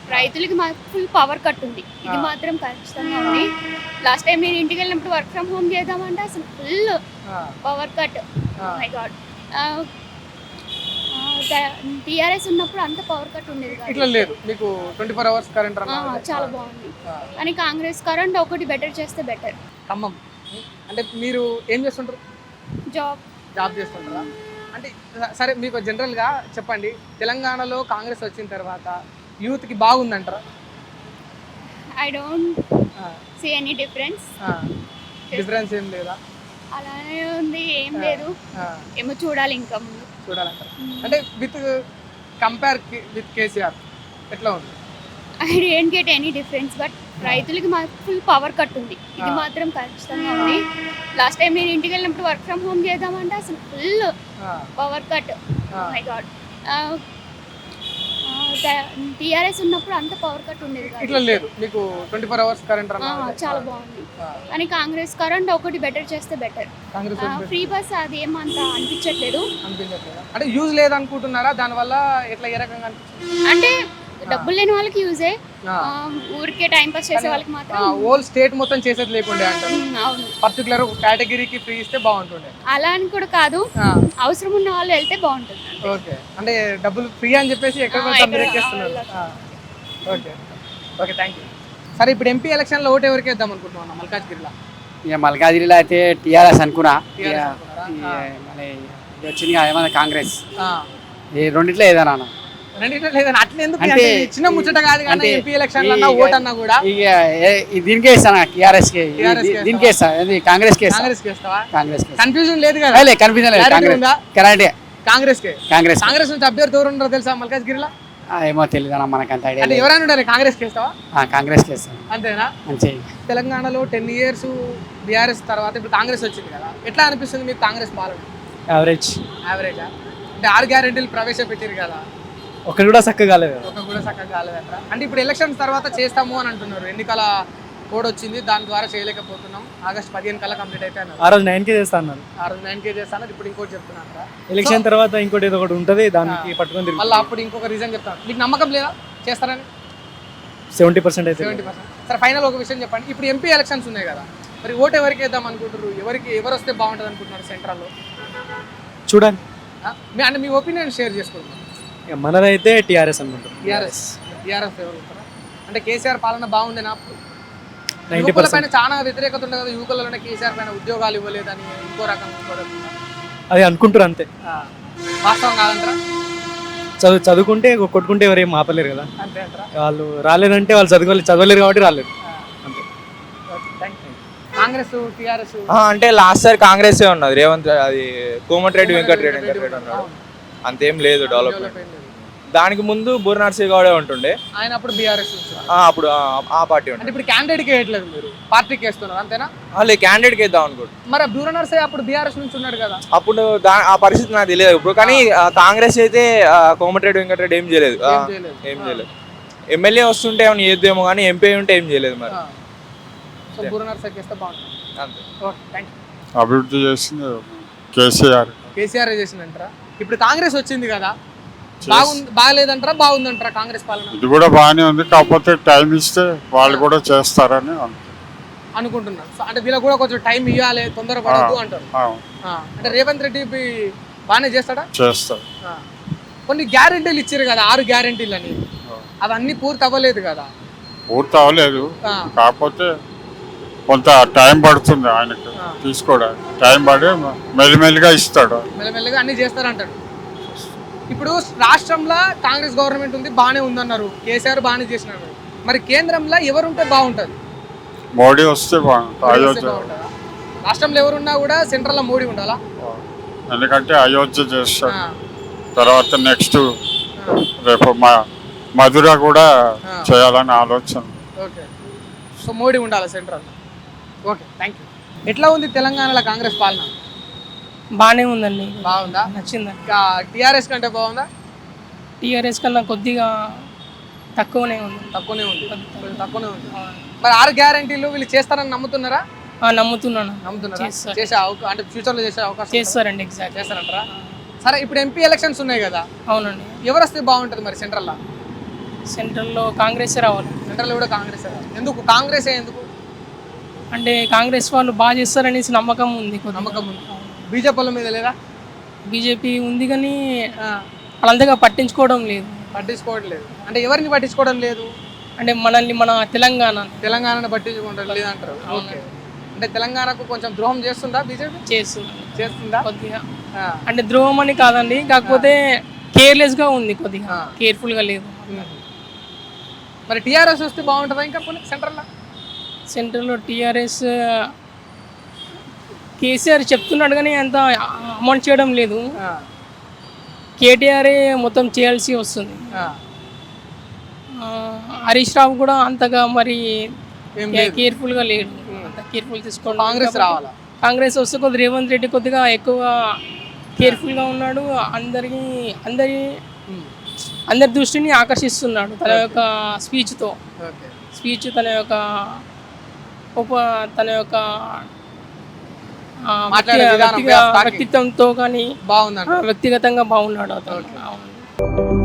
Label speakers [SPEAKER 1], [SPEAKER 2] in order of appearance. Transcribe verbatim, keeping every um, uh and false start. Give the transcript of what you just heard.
[SPEAKER 1] రైతులకి మాకు full power cut ఉంది. ఇది మాత్రం ఖచ్చితంగా ఉంది. లాస్ట్ టైం నేను ఇంటికి వెళ్ళినప్పుడు వర్క్ ఫ్రమ్ హోమ్ చేద్దామంటే అసలు full power cut. My god, TRS ఉన్నప్పుడు అంత పవర్ కట్ ఉండేది కాదు.
[SPEAKER 2] ఇట్లా లేదు మీకు ట్వంటీ ఫోర్ అవర్స్ కరెంట్
[SPEAKER 1] చాలా బాగుంది. కానీ కాంగ్రెస్ కరెంట్ ఒకటి బెటర్ చేస్తే బెటర్.
[SPEAKER 2] ఖమ్మం అంటే మీరు ఏం చేస్తుంటారు?
[SPEAKER 1] జాబ్
[SPEAKER 2] జాబ్ చేస్తుంటారా? అంటే సరే మీకు జనరల్గా చెప్పండి, తెలంగాణలో కాంగ్రెస్ వచ్చిన తర్వాత యూత్కి బాగుందంటారా?
[SPEAKER 1] I don't see any difference.
[SPEAKER 2] Difference ఏం లేదా?
[SPEAKER 1] అలానే ఉంది, ఏం లేదు. ఏమో చూడాలి ఇంకా ముందు
[SPEAKER 2] చూడాలంటారు. అంటే విత్ కంపేర్ విత్ కేసీఆర్ ఎట్లా ఉంది?
[SPEAKER 1] I don't get any difference. But రైతులకి మాకు ఫుల్ పవర్ కట్ ఉంది. ఇది మాత్రం ఖచ్చితంగా ఉంది. లాస్ట్ టైం నేను ఇంటికి వెళ్ళినప్పుడు వర్క్ ఫ్రమ్ హోమ్ చేద్దామంటే అసలు full power cut. My god, TRS ఉన్నప్పుడు అంత పవర్ కట్ ఉండేది కాదు.
[SPEAKER 2] ఇట్లా లేదు మీకు ట్వంటీ ఫోర్ అవర్స్ కరెంట్
[SPEAKER 1] చాలా బాగుంది. కానీ కాంగ్రెస్ కరెంట్ ఒకటి బెటర్ చేస్తే బెటర్. ఫ్రీ బస్ అది ఏమంత అనిపించట్లేదు.
[SPEAKER 2] అంటే యూజ్ లేదనుకుంటున్నారా దానివల్ల? ఎట్లా ఏ రకంగా అనిపిస్తుంది?
[SPEAKER 1] అంటే డబ్బులు లేని వాళ్ళకి యూజే, ఊరికే టైం పాస్ చేసే వాళ్ళకి మాత్రం.
[SPEAKER 2] హోల్ స్టేట్ మొత్తం చేసేది లేకుండే అంటారు.
[SPEAKER 1] అవును,
[SPEAKER 2] పర్టికులర్ కేటగిరీకి ఫ్రీ ఇస్తే బాగుంటుండే.
[SPEAKER 1] అలా అని కూడా కాదు, అవసరం ఉన్న వాళ్ళు వెళ్తే బాగుంటుంది.
[SPEAKER 2] ఓకే, అంటే డబ్బులు ఫ్రీ అని చెప్పేసి ఎక్కడ ఎక్కేస్తున్నారు. Okay okay, thank you. సరే, ఇప్పుడు ఎంపీ ఎలక్షన్ లో ఓటు ఎవరికి వేద్దాం అనుకుంటున్నాను మల్కాజ్గిరిలో?
[SPEAKER 3] ఇక మల్కాజ్గిరిలో అయితే టీఆర్ఎస్ అనుకున్నా. మళ్ళీ వచ్చింది ఏమన్నా కాంగ్రెస్, ఈ రెండిట్లో ఏదైనా
[SPEAKER 2] రెండిట్లో లేదని అట్లా ఎందుకు? చిన్న ముచ్చట కాదు కానీ ఎంపీ ఎలక్షన్ ఓట్ అన్నా కూడా
[SPEAKER 3] ఇక దీనికే ఇస్తాను, టీఆర్ఎస్ కి దీనికే ఇస్తా, కాంగ్రెస్ కి
[SPEAKER 2] కాంగ్రెస్ కి ఇస్తావా?
[SPEAKER 3] కాంగ్రెస్
[SPEAKER 2] కన్ఫ్యూజన్ లేదు కదా?
[SPEAKER 3] కన్ఫ్యూజన్ లేదు, కరెక్టే
[SPEAKER 2] కాంగ్రెస్ కి.
[SPEAKER 3] కాంగ్రెస్
[SPEAKER 2] కాంగ్రెస్ నుంచి అభ్యర్థి ఎవరు ఉన్నారో తెలుసా మల్కాజ్గిరిలో?
[SPEAKER 3] ఏమో తెలియదు అన్న, మనకు అంత ఐడియా.
[SPEAKER 2] అంటే ఎవరైనా ఉండాలి, కాంగ్రెస్ కి ఇస్తావా?
[SPEAKER 3] కాంగ్రెస్ కి ఇస్తాను.
[SPEAKER 2] అంతేనా?
[SPEAKER 3] అంతే.
[SPEAKER 2] తెలంగాణలో టెన్ ఇయర్స్ బీఆర్ఎస్ తర్వాత ఇప్పుడు కాంగ్రెస్ వచ్చింది కదా, ఎట్లా అనిపిస్తుంది మీకు కాంగ్రెస్ పాలన?
[SPEAKER 4] యావరేజ్.
[SPEAKER 2] యావరేజా? అంటే ఆరు గ్యారెంటీలు ప్రవేశపెట్టారు కదా,
[SPEAKER 4] ఒకటి కూడా చక్కగా కాలేదు.
[SPEAKER 2] ఒక కూడా చక్కగా కాలేదంట. అంటే ఇప్పుడు ఎలక్షన్స్ తర్వాత చేస్తాము అని అంటున్నారు. ఎన్నికల కోడ్ వచ్చింది, దాని ద్వారా చేయలేకపోతున్నాం. ఆగస్ట్ పదిహేను కల్లా కంప్లీట్ అయితే అన్నారు.
[SPEAKER 4] ఆ రోజు నైన్ కే చేస్తా అన్నారు.
[SPEAKER 2] ఆ రోజు నైన్ కే చేస్తాను, ఇప్పుడు ఇంకోటి చెప్తున్నారు.
[SPEAKER 4] ఎలక్షన్ తర్వాత ఇంకోటి ఏదో ఒకటి ఉంటుంది, దానికి పట్టుకొని
[SPEAKER 2] మళ్ళీ అప్పుడు ఇంకొక రీజన్ చెప్తాను. మీకు నమ్మకం లేదా చేస్తారని?
[SPEAKER 4] సెవెంటీ పర్సెంట్ అయితే
[SPEAKER 2] సెవెంటీ పర్సెంట్. సరే, ఫైనల్ ఒక విషయం చెప్పండి. ఇప్పుడు ఎంపీ ఎలక్షన్స్ ఉన్నాయి కదా, మరి ఓటు ఎవరికి వేద్దాం అనుకుంటారు? ఎవరికి ఎవరు వస్తే బాగుంటుంది అనుకుంటున్నారు సెంట్రల్లో?
[SPEAKER 4] చూడండి,
[SPEAKER 2] అంటే మీ ఒపీనియన్ షేర్ చేసుకుంటున్నారు.
[SPEAKER 4] మనదైతే టీఆర్ఎస్ అనుకుంటాం.
[SPEAKER 2] టీఆర్ఎస్ టీఆర్ఎస్ ఎవరు ఉంటారా? అంటే కేసీఆర్ పాలన బాగుందేనా?
[SPEAKER 4] నైన్టీ
[SPEAKER 2] యువకుల పైన
[SPEAKER 4] పర్సెంట్
[SPEAKER 2] చాలా వ్యతిరేకత ఉంది కదా, యువకులలోనే కేసీఆర్ పైన ఉద్యోగాలు ఇవ్వలేదని ఇంకో రకం ఇంకో రకం
[SPEAKER 4] అది అనుకుంటారు అంతే.
[SPEAKER 2] వాస్తవం కాదంటారా?
[SPEAKER 4] చదువు చదువుకుంటే కొట్టుకుంటే ఎవరేం ఆపలేరు కదా.
[SPEAKER 2] అంతే అంటారా?
[SPEAKER 4] వాళ్ళు రాలేదంటే వాళ్ళు చదువుకోలేదు, చదవలేరు కాబట్టి రాలేదు అంతే.
[SPEAKER 2] కాంగ్రెస్ టీఆర్ఎస్
[SPEAKER 5] అంటే లాస్ట్ సార్ కాంగ్రెస్ ఉన్నది, రేవంత్ అది కోమటిరెడ్డి వెంకటరెడ్డి వెంకటరెడ్డి అన్నాడు, అంతేం లేదు డెవలప్మెంట్. దానికి ముందు బూర నర్సయ్య గౌడే ఉంటుండే,
[SPEAKER 2] ఆయన అప్పుడు బీఆర్ఎస్
[SPEAKER 5] అప్పుడు ఆ పార్టీ
[SPEAKER 2] అంటే ఇప్పుడు క్యాండిడేట్కి వేయట్లేదు, మీరు పార్టీకి వేస్తున్నారు అంతేనా?
[SPEAKER 5] వాళ్ళు క్యాండిడేట్కి వేద్దాం అనుకోండి.
[SPEAKER 2] మరి బూర నర్సయ్య అప్పుడు బీఆర్ఎస్ నుంచి ఉన్నాడు కదా,
[SPEAKER 5] అప్పుడు ఆ పరిస్థితి నాకు తెలియదు ఇప్పుడు. కానీ కాంగ్రెస్ అయితే కోమటిరెడ్డి వెంకటరెడ్డి ఏం చేయలేదు, ఏం చేయలేదు. ఎమ్మెల్యే వస్తుంటే ఏమైనా చేద్దామో కానీ ఎంపీ ఉంటే ఏం చేయలేదు. మరి
[SPEAKER 2] బూర నర్సయ్యకి వేస్తే బాగుంటుంది
[SPEAKER 5] అంతే.
[SPEAKER 2] Okay, thank you.
[SPEAKER 6] అభివృద్ధి చేసింది కేసీఆర్.
[SPEAKER 2] కేసీఆర్ చేసిందంటారా? ఇప్పుడు కాంగ్రెస్ వచ్చింది కదా, బాగుంది బాగలేదంటారా బాగుందంటారా కాంగ్రెస్ పాలన?
[SPEAKER 6] ఇది కూడా బాగానే ఉంది, కాకపోతే టైం ఇస్తే వాళ్ళు కూడా చేస్తారని
[SPEAKER 2] అనుకుంటున్నారు. అంటే వీళ్ళకి కూడా కొంచెం టైం ఇవ్వాలి, తొందరపడద్దు అంటారు. అంటే రేవంత్ రెడ్డి బాగానే చేస్తాడా?
[SPEAKER 6] చేస్తారు.
[SPEAKER 2] కొన్ని గ్యారెంటీలు ఇచ్చారు కదా, ఆరు గ్యారెంటీలు అని, అవన్నీ పూర్తి అవ్వలేదు కదా.
[SPEAKER 6] పూర్తి అవ్వలేదు, కాకపోతే కొంత టైం పడుతుంది ఆయనకు తీసుకోవడానికి. టైం పడి మెల్లిమెల్లిగా ఇస్తాడు,
[SPEAKER 2] మెల్లమెల్లగా అన్ని చేస్తారంటాడు. ఇప్పుడు రాష్ట్రంలో కాంగ్రెస్ గవర్నమెంట్ ఉంది, బాగానే ఉందన్నారు, కేసీఆర్ బాగానే చేసినారు. మరి కేంద్రంలో ఎవరుంటే బాగుంటుంది?
[SPEAKER 6] మోడీ వస్తే బాగుంటుంది. అయోధ్య
[SPEAKER 2] రాష్ట్రంలో ఎవరున్నా కూడా సెంట్రల్లో మోడీ ఉండాలా?
[SPEAKER 6] ఎందుకంటే అయోధ్య చేస్తాడు, తర్వాత నెక్స్ట్ రేపు మా మధుర కూడా చేయాలని ఆలోచన.
[SPEAKER 2] ఓకే, సో మోడీ ఉండాలి సెంట్రల్. Okay, thank you. ఎట్లా ఉంది తెలంగాణలో కాంగ్రెస్ పాలన?
[SPEAKER 7] బాగానే ఉందండి.
[SPEAKER 2] బాగుందా?
[SPEAKER 7] నచ్చింది.
[SPEAKER 2] టీఆర్ఎస్ కంటే బాగుందా?
[SPEAKER 7] టీఆర్ఎస్ కన్నా కొద్దిగా తక్కువనే ఉంది.
[SPEAKER 2] తక్కువనే ఉంది, తక్కువనే ఉంది. మరి ఆరు గ్యారెంటీలు వీళ్ళు చేస్తారని నమ్ముతున్నారా?
[SPEAKER 7] నమ్ముతున్నాను.
[SPEAKER 2] నమ్ముతున్నారా? చేసే అంటే ఫ్యూచర్ లో చేసే అవకాశం
[SPEAKER 7] చేస్తారండి. ఎగ్జాక్ట్
[SPEAKER 2] చేస్తారంటారా? సరే, ఇప్పుడు ఎంపీ ఎలక్షన్స్ ఉన్నాయి కదా.
[SPEAKER 7] అవునండి.
[SPEAKER 2] ఎవరు వస్తే బాగుంటుంది మరి సెంట్రల్ లో?
[SPEAKER 7] సెంట్రల్లో కాంగ్రెస్ రావాలి.
[SPEAKER 2] సెంట్రల్ కూడా కాంగ్రెస్ ఎందుకు కాంగ్రెస్ ఎందుకు
[SPEAKER 7] అంటే కాంగ్రెస్ వాళ్ళు బాగా చేస్తారనేసి నమ్మకం ఉంది కొద్దిగా.
[SPEAKER 2] నమ్మకం ఉంది. బీజేపీ వాళ్ళ మీద లేదా?
[SPEAKER 7] బీజేపీ ఉంది కానీ వాళ్ళంతగా పట్టించుకోవడం లేదు.
[SPEAKER 2] పట్టించుకోవట్లేదు అంటే ఎవరిని పట్టించుకోవడం లేదు?
[SPEAKER 7] అంటే మనల్ని మన తెలంగాణ
[SPEAKER 2] తెలంగాణను పట్టించుకోవడం లేదు అంటారు. ఓకే, అంటే తెలంగాణకు కొంచెం ద్రోహం చేస్తుందా బీజేపీ?
[SPEAKER 7] చేస్తుంది
[SPEAKER 2] చేస్తుందా
[SPEAKER 7] కొద్దిగా.
[SPEAKER 2] ఆ,
[SPEAKER 7] అంటే ద్రోహం అని కాదండి, కాకపోతే కేర్లెస్గా ఉంది, కొద్దిగా
[SPEAKER 2] ఆ.
[SPEAKER 7] కేర్ఫుల్గా లేదు.
[SPEAKER 2] మరి టీఆర్ఎస్ వస్తే బాగుంటుందా ఇంకా కొన్ని సెంట్రల్లో?
[SPEAKER 7] సెంట్రల్లో టీఆర్ఎస్ కేసీఆర్ చెప్తున్నాడు కానీ అంత అమౌంట్ చేయడం లేదు.
[SPEAKER 2] ఆ,
[SPEAKER 7] కేటీఆర్ మొత్తం చేయాల్సి వస్తుంది.
[SPEAKER 2] ఆ,
[SPEAKER 7] ఆ, హరీష్ రావు కూడా అంతగా మరి
[SPEAKER 2] ఏం లేదు.
[SPEAKER 7] కేర్ఫుల్గా లేడు, అంత కేర్ఫుల్ తీసుకోవడం.
[SPEAKER 2] కాంగ్రెస్ రావాలా?
[SPEAKER 7] కాంగ్రెస్ వస్తే కొద్దిగా రేవంత్ రెడ్డి కొద్దిగా ఎక్కువ కేర్ఫుల్గా ఉన్నాడు. అందరికి అందరి
[SPEAKER 2] ఉమ్,
[SPEAKER 7] అందరి దృష్టిని ఆకర్షిస్తున్నాడు తన యొక్క స్పీచ్తో.
[SPEAKER 2] ఓకే,
[SPEAKER 7] స్పీచ్ తన యొక్క ఉప తన యొక్క ఆ,
[SPEAKER 2] మాట్లాడే
[SPEAKER 7] వ్యక్తి-
[SPEAKER 2] విధానం,
[SPEAKER 7] వ్యక్తిగ-
[SPEAKER 2] talking.
[SPEAKER 7] వ్యక్తిత్వంతో కానీ
[SPEAKER 2] బాగుందంట.
[SPEAKER 7] వ్యక్తిగతంగా బాగున్నాడు అతను. అవును.